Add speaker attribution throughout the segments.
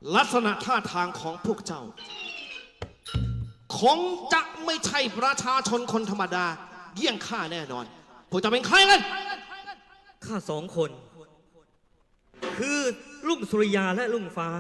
Speaker 1: ลักษณะท่าทางของพวกเจ้าคงจะไม่ใช่ประชาชนคนธรรมดาเยี่ยงข้าแน่นอนพวกเจ้าเป็นใครกัน
Speaker 2: ข้าสองคน คือลุงสุริยาและลุงฟ้า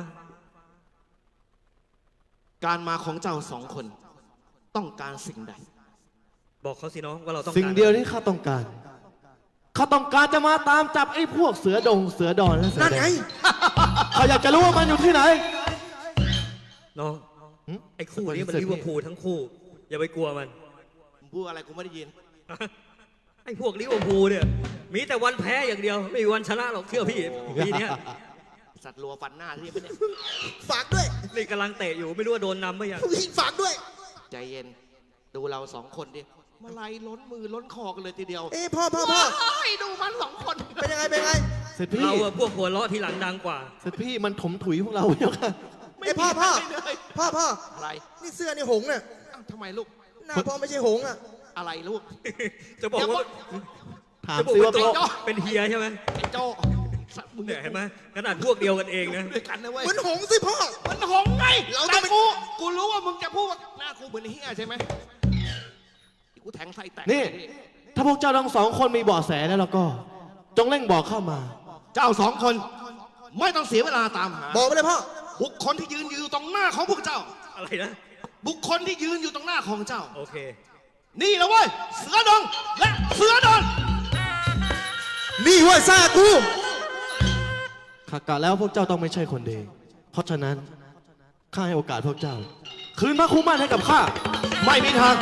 Speaker 1: การมาของเจ้าสองคนต้องการสิ่งใด
Speaker 2: บอกเขาสิน้องว่าเราต้อง
Speaker 3: สิ่งเดียวที่ข้าต้องการจะมาตามจับไอ้พวกเสือดงเสือดอนและเสือแดงเขาอยากจะรู้ว่ามันอยู่ที่ไหน
Speaker 2: น้องไอ้คู่นี้มันลิเวอร์พูลทั้งคู่อย่าไปกลัวมัน
Speaker 1: พูดอะไรกูไม่ได้ยิน
Speaker 2: ไอ้พวกลิเวอร์พูลเนี่ยมีแต่วันแพ้อย่างเดียวไม่มีวันชนะหรอกเชื่อพี่ปีนี้
Speaker 1: สัตว์รัวฟันหน้าที่นี่
Speaker 4: ฝากด้วย
Speaker 2: นี่กำลังเตะอยู่ไม่รู้ว่าโดนนำไหมยัง
Speaker 4: ฝากด้วย
Speaker 1: ใจเย็นดูเราสองคนดิมาไล่ล้นมือล้นคอกันเลยทีเดียว
Speaker 4: พ่อ
Speaker 1: ดูมันสองคน
Speaker 4: เป็นยังไง
Speaker 3: เสร็จพี่
Speaker 2: เราพวกหัวเราะทีหลังดังกว่า
Speaker 3: เสร็จพี่มันถมถุยพวกเราเยอะค่ะ
Speaker 4: พ่อ
Speaker 1: อะไร
Speaker 4: นี่เสื้อนี่หงเนี่ย
Speaker 1: ทำไมลูก
Speaker 4: หน้าพ่อไม่ใช่หงอ่ะ
Speaker 1: อะไรลูก
Speaker 2: จะบอกว่า
Speaker 3: ถามซิว่า
Speaker 2: เป็นเฮียใช่ไหม
Speaker 1: ไอ้โจ้
Speaker 2: มึงเห็นไหมขนาดพวกเดียวกันเองนะ
Speaker 1: ด้วยกันนะเว้ย
Speaker 4: เหมือนหงสิพ่อ
Speaker 1: มันหงไงแต่กูรู้ว่ามึงจะพูดว่าหน้ากูเหมือนเฮียใช่ไหมกูแทงไส้แตก
Speaker 3: นี่ถ้าพวกเจ้าทั้งสองคนมีเบาะแสแล้วก็จงเร่งบอกเข้ามา
Speaker 1: เจ้าสองคนไม่ต้องเสียเวลาตามหา
Speaker 4: บอกไปเลยพ่อ
Speaker 1: บุคคลที่ยืนอยู่ตรงหน้าของพวกเจ้า
Speaker 2: อะไรนะ
Speaker 1: บุคคลที่ยืนอยู่ตรงหน้าของเจ้า
Speaker 2: โอเค
Speaker 1: นี่แหละเว้ยเสือดงและเสือดอน
Speaker 4: นี่เว้ยซากู
Speaker 3: ข้ากะแล้วพวกเจ้าต้องไม่ใช่คนดีเพราะฉะนั้นข้าให้โอกาสพวกเจ้าคืนพระคุ้มมั่นให้กับข้าไม่มีทาง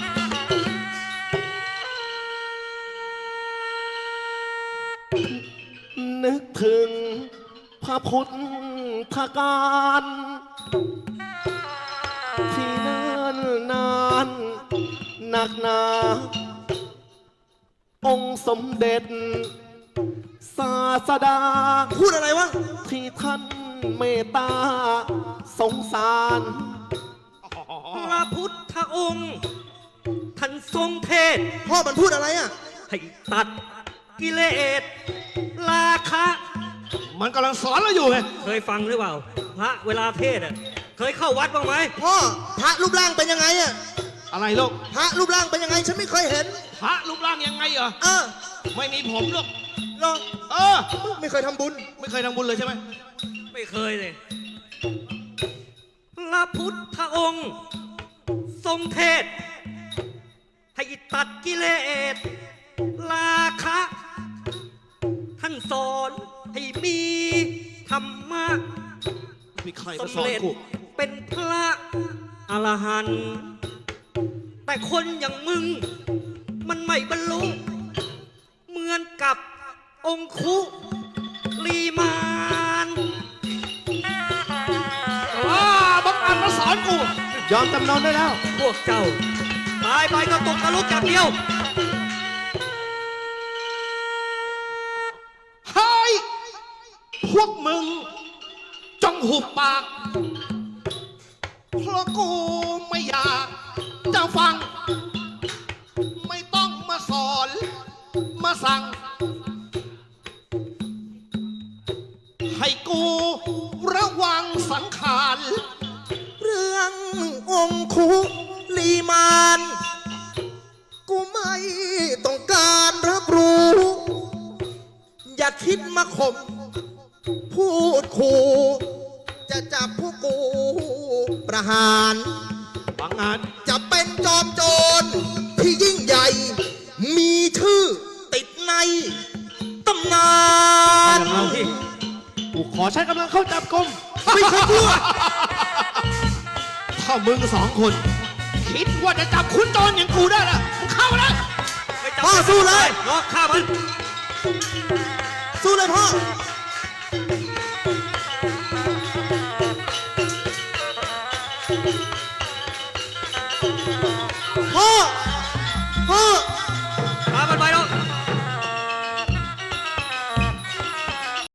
Speaker 3: นึกถึงพระพุทธการที่เนิ่นนานหนักหนาองค์สมเด็จศาสดา
Speaker 4: พูดอะไรวะ
Speaker 3: ที่ท่านเมตตาสงสาร
Speaker 2: พระพุทธองค์ท่านทรงเทศ
Speaker 4: พ่อมันพูดอะไรอ่ะ
Speaker 2: ให้ตัดกิเลสราคะ
Speaker 1: มันกำลังสอนเราอยู่ไง
Speaker 2: เคยฟังหรือเปล่าพระเวลาเทศเคยเข้าวัดบ้างไหม
Speaker 4: พ่อพระรูปร่างเป็นยังไงอ่ะ
Speaker 1: อะไรลูก
Speaker 4: พระรูปร่างเป็นยังไงฉันไม่เคยเห็น
Speaker 1: พระรูปร่างยังไงเหรอไม่มีผมลูก
Speaker 4: ไม่เคยทำบุญ
Speaker 1: เลยใช่ไหม
Speaker 2: ไม่เคยเลยพระพุทธองค์ทรงเทศให้ตัดกิเลสราคะท่านสอนให้มีธรรมะ
Speaker 1: มีใครมาสอนกู
Speaker 2: เป็นพระอรหันต์แต่คนอย่างมึงมันไม่บรรลุเหมือนกับองคุลีมาน
Speaker 1: บังอาจมาสอนกู
Speaker 3: ยอมจำนนได้แล้ว
Speaker 2: พวกเจ้าตายไปก็ตกนรกอย่างเดียว
Speaker 1: พวกมึงจงหุบปากเพราะกูไม่อยากจะฟังไม่ต้องมาสอนมาสั่งให้กูระวังสังขาร
Speaker 4: เรื่ององคุลีมานกูไม่ต้องการรับรู้อย่าคิดมาข่มพูดขู่จะจับพวกกูประหาร
Speaker 1: บางงาน
Speaker 4: จะเป็นจอมโจรที่ยิ่งใหญ่มีชื่อติดในตำนาน
Speaker 3: กูขอใช้กำลังเข้าจับกุม
Speaker 4: ไม่เคยกลัว
Speaker 1: ถ้ามึงสองคนคิดว่าจะจับคุณโจรอย่างกูได้ล่ะมึงเข้ามาเลย
Speaker 4: พ่อสู้เลย
Speaker 2: น้องฆ่ามัน
Speaker 4: สู้เลยพ่อ